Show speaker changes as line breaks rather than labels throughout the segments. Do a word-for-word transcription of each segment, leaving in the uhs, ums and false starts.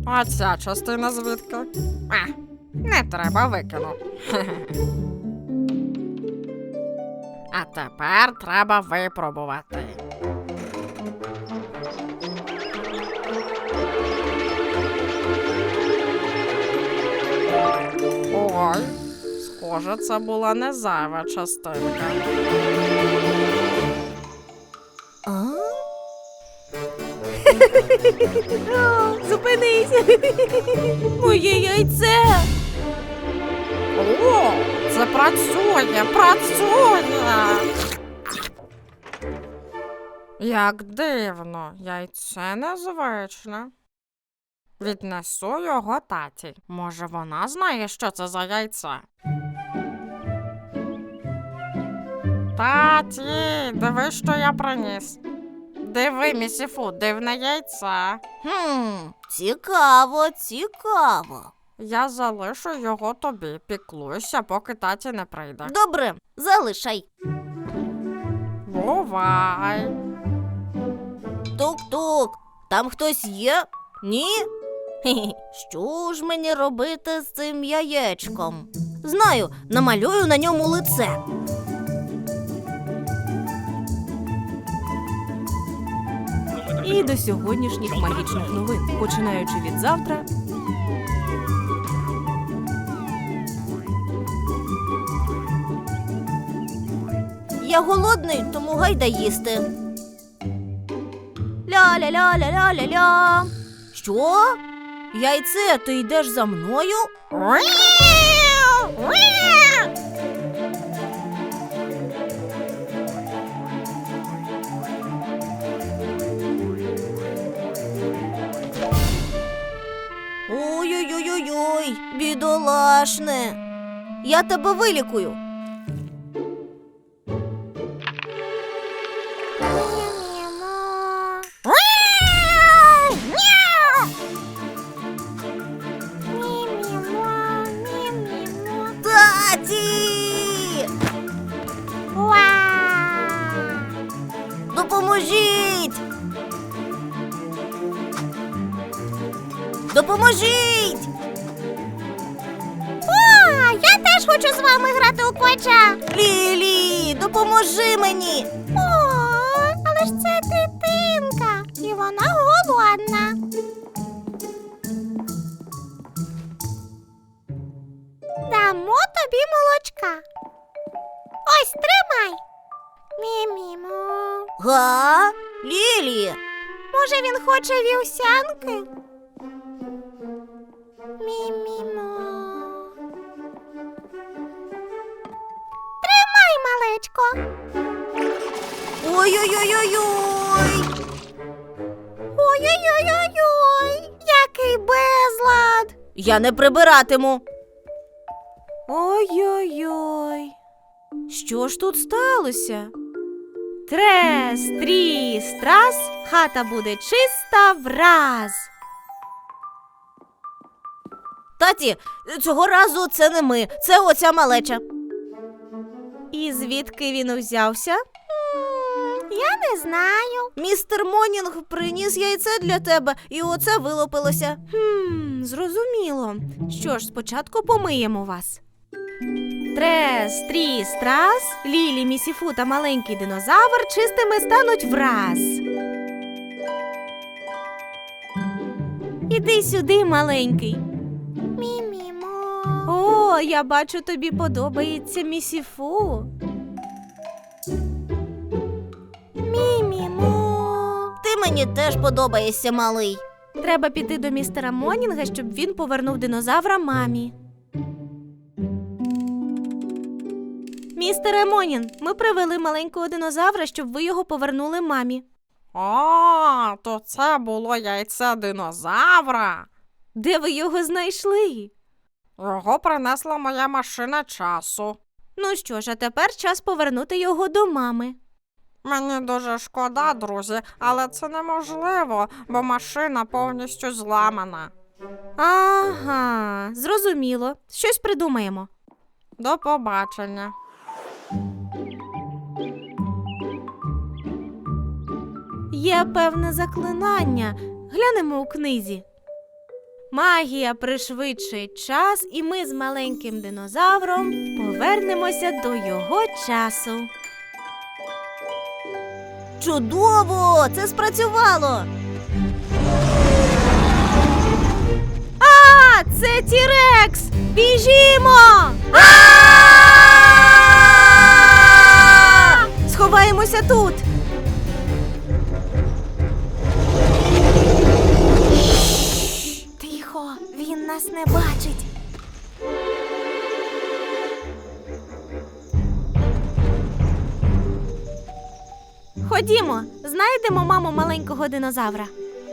А ця частина звідки? А, не треба, викину. А тепер треба випробувати. Ой, схоже, це була не зайва частинка.
А? Зупинись! Моє яйце!
О, це працює, працює! Як дивно, яйце незвичне. Віднесу його таті. Може, вона знає, що це за яйце? Таті, диви, що я приніс. Диви, місіфу, дивне яйце.
Хм, цікаво, цікаво.
Я залишу його тобі, піклуйся, поки таті не прийде.
Добре, залишай.
Бувай.
Тук-тук, там хтось є? Ні? Хе-хе, що ж мені робити з цим яєчком? Знаю, намалюю на ньому лице. І до сьогоднішніх магічних новин, починаючи від завтра. Я голодний, тому гайда їсти. Ля-ля-ля-ля-ля-ля-ля. Що? Яйце, ти йдеш за мною? Ой-ой-ой-ой, бідолашне. Я тебе вилікую. Таті! Допоможіть! Допоможіть!
О, я теж хочу з вами грати у квача.
Лілі, допоможи мені!
О, але ж це дитинка, і вона голодна. Дамо тобі молочка. Ось, тримай. Мі-мі-му.
Га? Лілі!
Може, він хоче вівсянки? Мі-мі-му. Тримай, малечко.
Ой-ой-ой-ой-ой!
Ой-ой-ой-ой-ой, який безлад.
Я не прибиратиму. Ой-ой-ой. Що ж тут сталося? Трес, тріс, трас, хата буде чиста враз. Таті, цього разу це не ми, це оця малеча. І звідки він узявся?
М, Я не знаю.
Містер Монінг приніс яйце для тебе, і оце вилупилося. Хм, зрозуміло. Що ж, спочатку помиємо вас. Трес, тріс, трас, Лілі, місіфу та маленький динозавр чистими стануть враз. Іди сюди, маленький.
Мі-мі-му.
О, я бачу, тобі подобається місіфу.
Мі-мі-му.
Ти мені теж подобаєшся, малий. Треба піти до містера Монінга, щоб він повернув динозавра мамі. Містере Монінг, ми привели маленького динозавра, щоб ви його повернули мамі.
О, то це було яйце динозавра.
Де ви його знайшли?
Його принесла моя машина часу.
Ну що ж, а тепер час повернути його до мами.
Мені дуже шкода, друзі, але це неможливо, бо машина повністю зламана.
Ага, зрозуміло. Щось придумаємо.
До побачення.
Є певне заклинання. Глянемо у книзі. Магія пришвидшує час, і ми з маленьким динозавром повернемося до його часу. Чудово! Це спрацювало! А, це Тірекс! Біжімо! Сховаємося тут!
Тихо, він нас не бачить.
Ходімо, знайдемо маму маленького динозавра.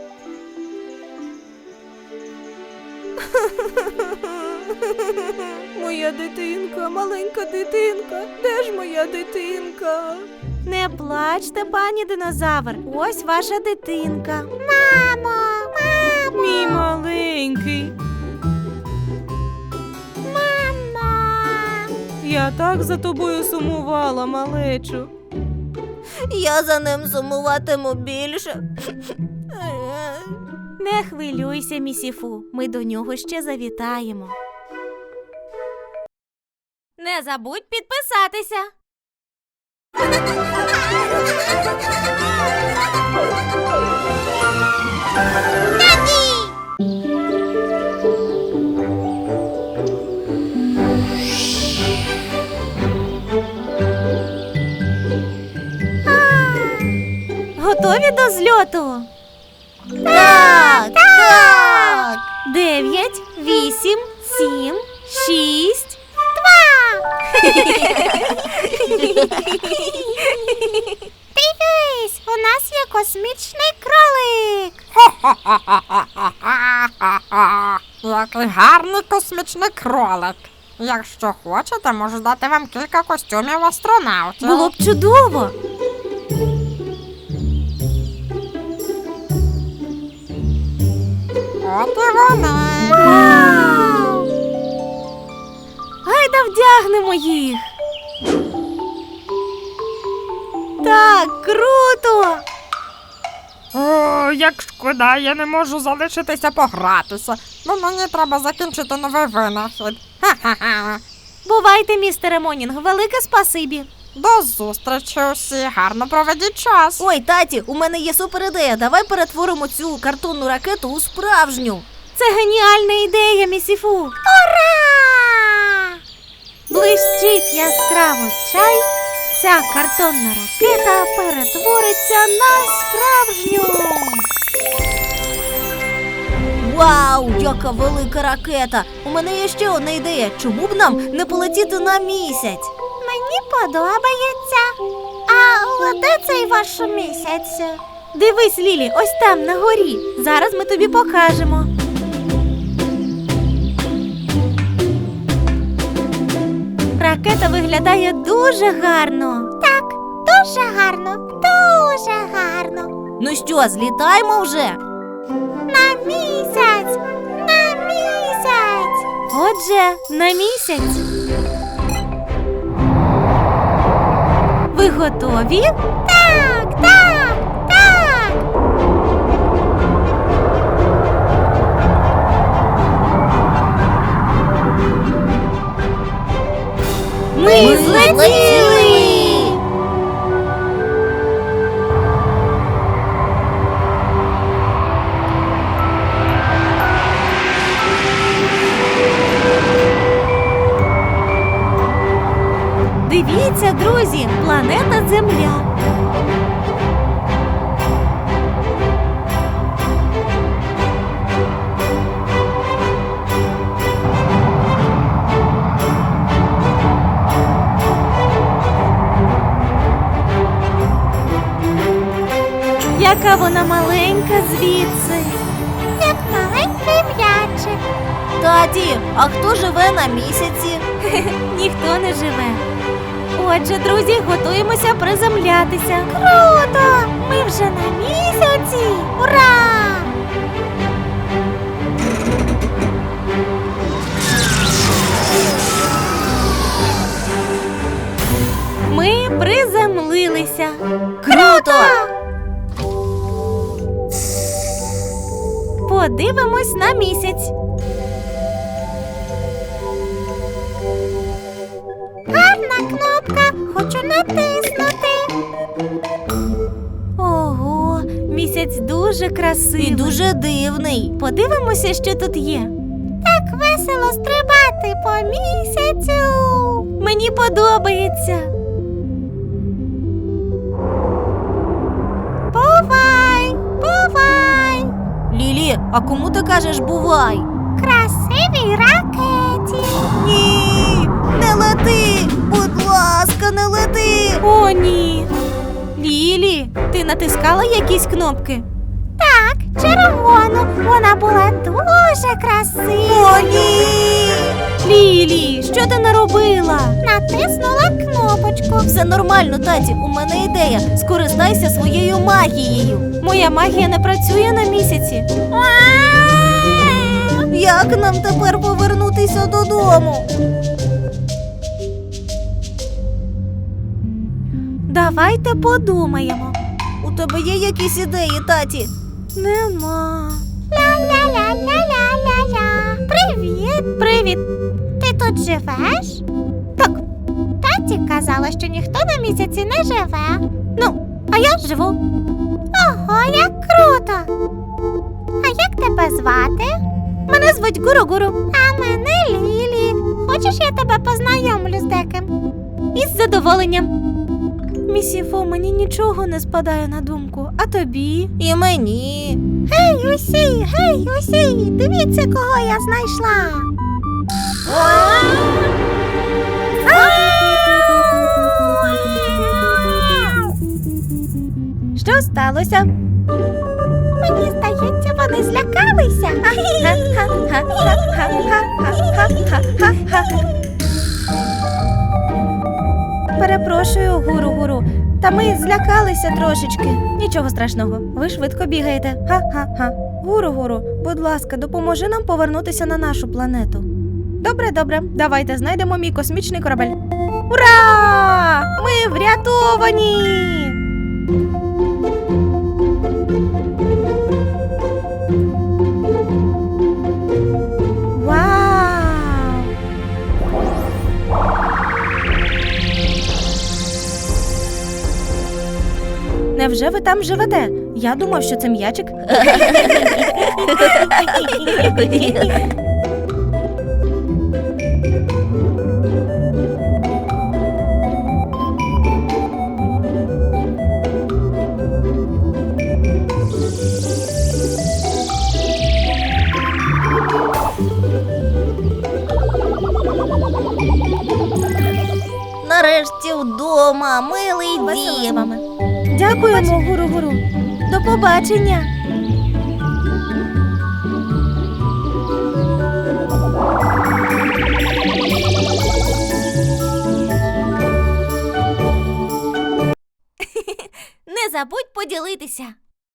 Моя дитинка, маленька дитинка, де ж моя дитинка? Не плачте, пані динозавр, ось ваша дитинка.
Мамо, мамо,
Мій маленький,
мамо.
я так за тобою сумувала, малечу. Я за ним сумуватиму більше. Не хвилюйся, місіфу, ми до нього ще завітаємо. Не забудь підписатися. Готові до зльоту? Так, так. Дев'ять, вісім, сім, шість, два.
Дивись, у нас є космічний кролик.
Який гарний космічний кролик. Якщо хочете, можу дати вам кілька костюмів астронавтів.
Було б чудово.
От і вони.
Вау! Гайда вдягнемо їх. Так, круто!
О, як шкода, я не можу залишитися погратися. Бо мені треба закінчити новий винахід. Ха-ха-ха.
Бувайте, містере Монінг, велике спасибі.
До зустрічі усі, гарно проведіть час.
Ой, таті, у мене є супер ідея. Давай перетворимо цю картонну ракету у справжню. Це геніальна ідея, місіфу.
Ура!
Блищить яскраво чай. Ця картонна ракета перетвориться на справжню. Вау, яка велика ракета! У мене є ще одна ідея. Чому б нам не полетіти на місяць?
Мені подобається. А де цей ваш місяць?
Дивись, Лілі, ось там, на горі. Зараз ми тобі покажемо. Ракета виглядає дуже гарно.
Так, дуже гарно, дуже гарно.
Ну що, злітаємо вже?
На місяць, на місяць.
Отже, на місяць. Ви готові?
Так, так, так.
Ми злетіли! Дивіться, друзі, планета Земля. Яка вона маленька звідси.
Як маленький м'ячик.
Таті, а хто живе на місяці? Ніхто не живе. Отже, друзі, готуємося приземлятися.
Круто! Ми вже на місяці! Ура!
Ми приземлилися. Круто! Подивимось на місяць.
Гарна кнопка, хочу натиснути.
Ого, місяць дуже красивий. І дуже дивний. Подивимося, що тут є.
Так весело стрибати по місяцю.
Мені подобається.
Бувай, бувай.
Лілі, а кому ти кажеш бувай?
Красивій ракеті.
Ні, не лети! Будь ласка, не лети! О, ні! Лілі, ти натискала якісь кнопки?
Так, червону. Вона була дуже красива.
О, ні! Лілі, що ти наробила?
Натиснула кнопочку.
Все нормально, таті, у мене ідея. Скористайся своєю магією. Моя магія не працює на місяці. Як нам тепер повернутися додому? Давайте подумаємо. У тебе є якісь ідеї, таті? Нема.
Ля-ля-ля-ля-ля-ля-ля. Привіт.
Привіт.
Ти тут живеш?
Так.
Таті казала, що ніхто на місяці не живе.
Ну, а я живу.
Ого, як круто. А як тебе звати?
Мене звуть Гуру-Гуру.
А мене Лілі. Хочеш, я тебе познайомлю з деким?
Із задоволенням. Місіфу, мені нічого не спадає на думку, а тобі? І мені.
Гей, усі, гей, усі, дивіться, кого я знайшла.
Що сталося?
Мені здається, вони злякалися.
Перепрошую, Гуру-Гуру, та ми злякалися трошечки. Нічого страшного, ви швидко бігаєте. Ха-ха-ха. Гуру-Гуру, будь ласка, допоможи нам повернутися на нашу планету. Добре, добре, давайте знайдемо мій космічний корабель. Ура! Ми врятовані! Вау! Невже ви там живете? Я думав, що це м'ячик. Нарешті вдома, милий дім. Дякуємо, Гуру-Гуру. До побачення. Не забудь поділитися.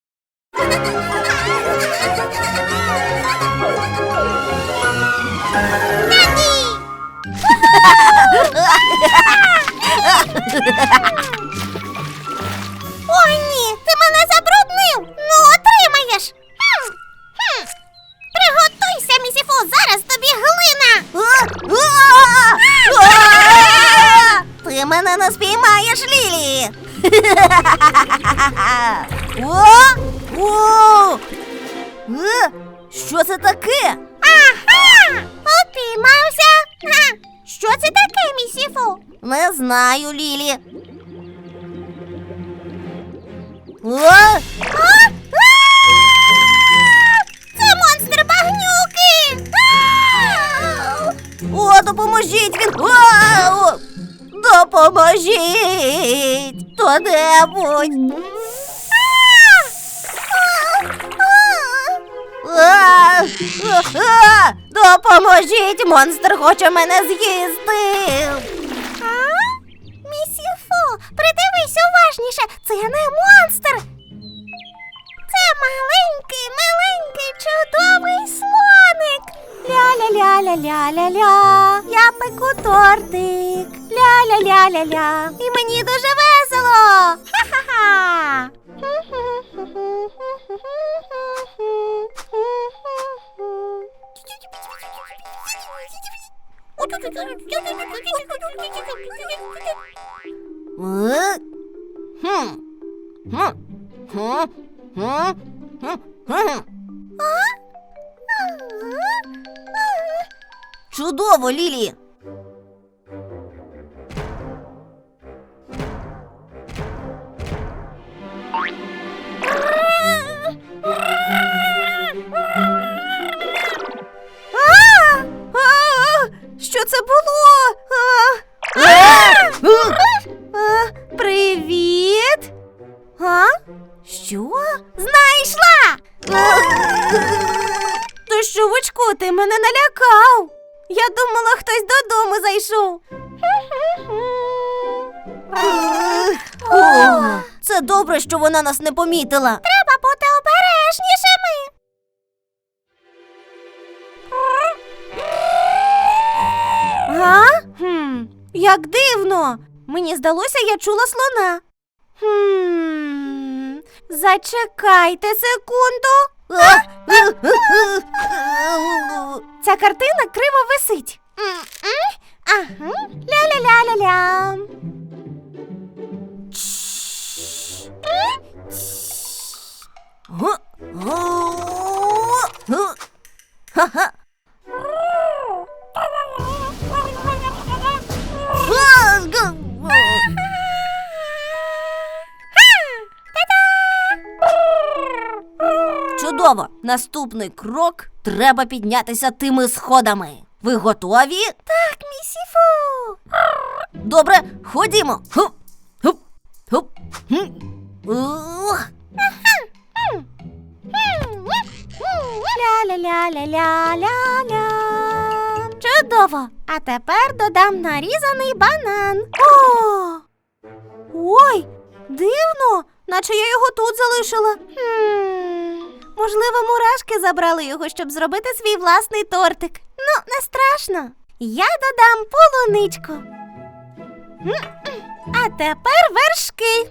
Ой, ні, ти мене забруднив. Ну, отримаєш. Хм. Хм. Приготуйся, місіфу, зараз тобі глина.
Ти мене не спіймаєш, Лілі. О! О! Е? Що це таке?
Ага, упіймався. Га. Що це таке, місіфу?
Не знаю, Лілі. О!
А? А! Це монстр багнюки. А!
О, допоможіть він! О! Допоможіть! Хто-небудь! А! А! Допоможіть! Монстр хоче мене з'їсти!
А? Місіфу, придивись уважніше, це не монстр. Це маленький, миленький, чудовий слоник. Ля-ля-ля-ля-ля-ля-ля. Я пеку тортик. Ля-ля-ля-ля-ля. І мені дуже весело. Ха-ха-ха. Е? Хм. Хм. Хм. Хм. Хм. Хм. Чудово, Лілі!
А! А! Що це було? А! А, привіт. А? Що? Знайшла! То що, Вучку, ти мене налякав? Я думала, хтось додому зайшов.
О, це добре, що вона нас не помітила.
Треба бути обережнішими. Га? Хм, як дивно. Мені здалося, я чула слона. Хм, зачекайте секунду. А? Ця картина криво висить. Ага. Ля-ля-ля-ля-ля.
Га? Га? Ха-ха. Чудово! Наступний крок – треба піднятися тими сходами. Ви готові?
Так, місіфу.
Добре, ходімо. Хуп, хуп, хуп. Хм. Ух.
Ля-ля-ля-ля-ля-ля-ля. Чудово! А тепер додам нарізаний банан. О! Ой, дивно, наче я його тут залишила. Хм, можливо, мурашки забрали його, щоб зробити свій власний тортик. Ну, не страшно. Я додам полуничку. М-м. А тепер вершки.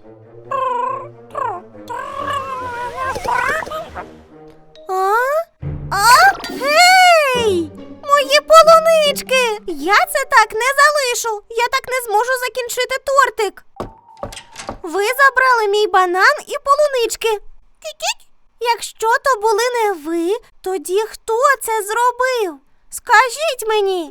А? А? Гей! Мої полунички! Я це так не залишу. Я так не зможу закінчити тортик. Ви забрали мій банан і полунички. Кі-кі. Якщо то були не ви, тоді хто це зробив? Скажіть мені.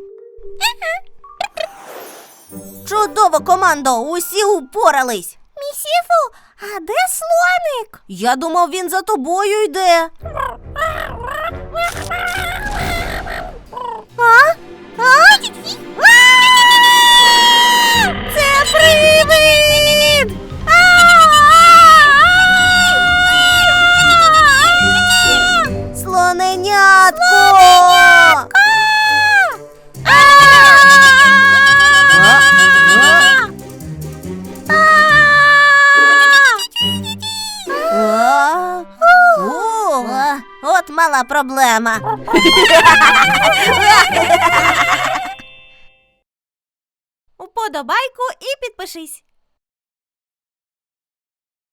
Чудово, командо! Усі упорались!
Місіфу, а де слоник?
Я думав, він за тобою йде.
А? А? Це привид!
Слоненятко! А? О, от мала проблема.
Уподобайку і підпишись.